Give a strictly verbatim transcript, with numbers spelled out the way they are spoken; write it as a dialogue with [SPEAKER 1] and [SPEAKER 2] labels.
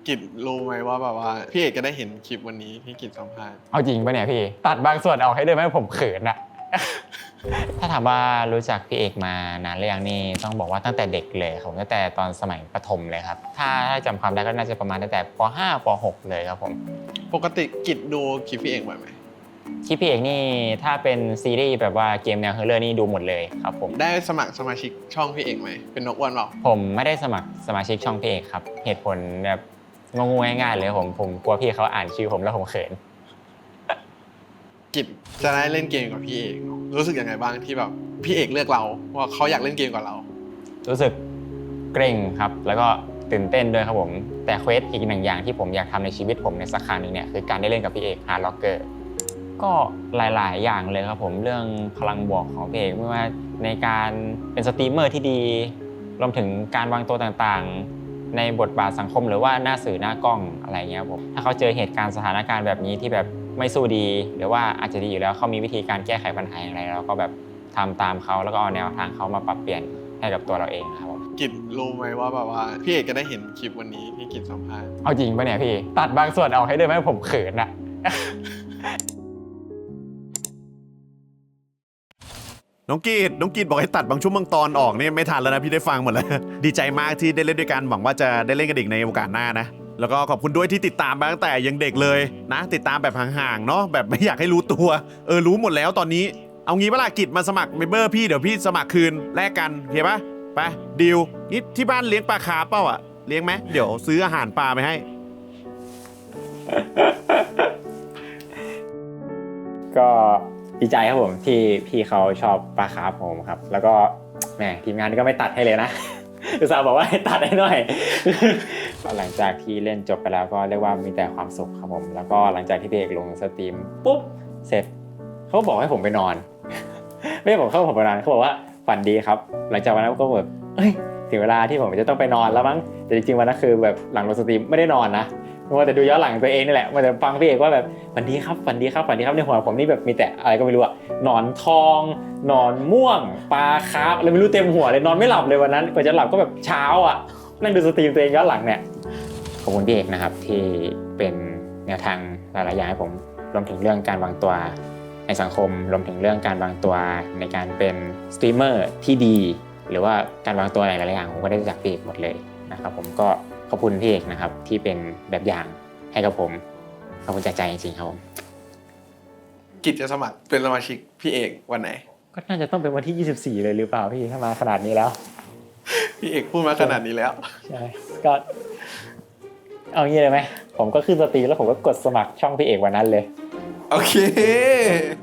[SPEAKER 1] กิจรู้ไหมว่าแบบว่าพี่เอกจะได้เห็นคลิปวันนี้ที่กิจสัมภาษณ์
[SPEAKER 2] เอาจริงปะเนี่ยพี่ตัดบางส่วนออกให้ด้วยไหมผมเขินอะ ถ้าถามว่ารู้จักพี่เอกมานานหรือยังนี่ต้องบอกว่าตั้งแต่เด็กเลยครับตั้งแต่ตอนสมัยประถมเลยครับถ้าถ้าจำความได้ก็น่าจะประมาณตั้งแต่ป .ห้า ป .หก เลยครับผม
[SPEAKER 1] ปกติกิจดูคลิปพี่เอกบ่อยไหม
[SPEAKER 2] คลิปพี่เอกนี่ถ้าเป็นซีรีส์แบบว่าเกมแนวเฮอร์เรอร์นี่ดูหมดเลยครับผม
[SPEAKER 1] ได้สมัครสมาชิกช่องพี่เอกไหมเป็นนกอ้วนเปล่า
[SPEAKER 2] ผมไม่ได้สมัครสมาชิกช่องพี่เอกครับเหตุผลแบบงงๆง่ายๆเลยผมผมกลัวพี่เขาอ่านชื่อผมแล้วผมเขิน
[SPEAKER 1] กิจจะได้เล่นเกมกับพี่เอกรู้สึกยังไงบ้างที่แบบพี่เอกเลือกเราว่าเขาอยากเล่นเกมกับเรา
[SPEAKER 2] รู้สึกเกรงครับแล้วก็ตื่นเต้นด้วยครับผมแต่เควสอีกหนึ่งอย่างที่ผมอยากทำในชีวิตผมในสักครั้งนึงเนี่ยคือการได้เล่นกับพี่เอกฮาร์ดล็อกเกอร์ก็หลายๆอย่างเลยครับผมเรื่องพลังบวกของพี่เอกไม่ว่าในการเป็นสตรีมเมอร์ที่ดีรวมถึงการวางตัวต่างๆในบทบาทสังคมหรือว่าหน้าสื่อหน้ากล้องอะไรเงี้ยผมถ้าเขาเจอเหตุการณ์สถานการณ์แบบนี้ที่แบบไม่สู้ดีหรือว่าอาจจะดีอยู่แล้วเขามีวิธีการแก้ไขปัญหาอย่างไรเราก็แบบทำตามเขาแล้วก็เอาแนวทางเขามาปรับเปลี่ยนให้กับตัวเราเองครับผม
[SPEAKER 1] กิจรู้ไหมว่าแบบว่าพี่เอกจะได้เห็นคลิปวันนี้ที่กิจสัมภาษณ์
[SPEAKER 2] เอาจริงปะเนี่ยพี่ตัดบางส่วนออกให้ด้วยไหมผมเขินอะ
[SPEAKER 3] น้องกีดน้องกีดบอกให้ตัดบางช่วงบางตอนออกนี่ไม่ทันแล้วนะพี่ได้ฟังหมดแล้ว ดีใจมากที่ได้เล่นด้วยกันหวังว่าจะได้เล่นกันอีกในโอกาสหน้านะแล้วก็ขอบคุณด้วยที่ติดตามมาตั้งแต่ยังเด็กเลยนะติดตามแบบห่างๆเนาะแบบไม่อยากให้รู้ตัวเออรู้หมดแล้วตอนนี้เอางี้เวลากิจมาสมัครเมมเบอร์พี่เดี๋ยวพี่สมัครคืนแลกกันโอเคปะไปดีลนี่ที่บ้านเลี้ยงปลาคาร์ฟเปล่าอะเลี้ยงไหมเดี๋ยวซื้ออาหารปลาไปให้
[SPEAKER 2] ก็ดีใจครับผมที่พี่เขาชอบปลาคาร์ฟผมครับแล้วก็แหมทีมงานก็ไม่ตัดให้เลยนะ อุตส่าห์บอกว่าให้ตัดให้หน่อย หลังจากที่เล่นจบไปแล้วก็เรียกว่ามีแต่ความสุขครับผมแล้วก็หลังจากที่พี่เอกลงสตรีมปุ๊บเสร็จเขาบอกให้ผมไปนอน ไม่ได้บอกเขาผมไปนอนเขาบอกว่าฝันดีครับหลังจากวันนั้นก็แบบเอ้ยถึงเวลาที่ผมจะต้องไปนอนแล้วมั้งแต่จริงๆวันนั้นคือแบบหลังลงสตรีมไม่ได้นอนนะมัวแต่ดูย้อนหลังตัวเองนี่แหละมัวแต่ฟังพี่เอกว่าแบบฝันดีครับฝันดีครับฝันดีครับในหัวผมนี่แบบมีแต่อะไรก็ไม่รู้อะหนอนทองหนอนม่วงปลาคาร์ฟอะไรไม่รู้เต็มหัวเลยนอนไม่หลับเลยวันนั้นกว่าจะหลับก็แบบเช้าอะนั่งดูสตรีมตัวเองย้อนหลังเนี่ยขอบคุณพี่เอกนะครับที่เป็นแนวทางหลายๆอย่างให้ผมรวมถึงเรื่องการวางตัวในสังคมรวมถึงเรื่องการวางตัวในการเป็นสตรีมเมอร์ที่ดีหรือว่าการวางตัวหลายๆอย่างผมก็ได้จากพี่เอกหมดเลยนะครับผมก็ขอบคุณพี่เอกนะครับที่เป็นแบบอย่างให้กับผมขอบคุณจากใจจริงๆครับผม
[SPEAKER 1] กิจจะสมัครเป็นสมาชิกพี่เอกวันไหน
[SPEAKER 2] ก็น่าจะต้องเป็นวันที่ยี่สิบสี่เลยหรือเปล่าพี่ถ้ามาขนาดนี้แล้ว
[SPEAKER 1] พี่เอกพูดมาขนาดนี้แล้ว
[SPEAKER 2] ใช่ก็เอางี้เลยไหมผมก็ขึ้นสตรีมแล้วผมก็กดสมัครช่องพี่เอกวันนั้นเลย
[SPEAKER 1] โอเค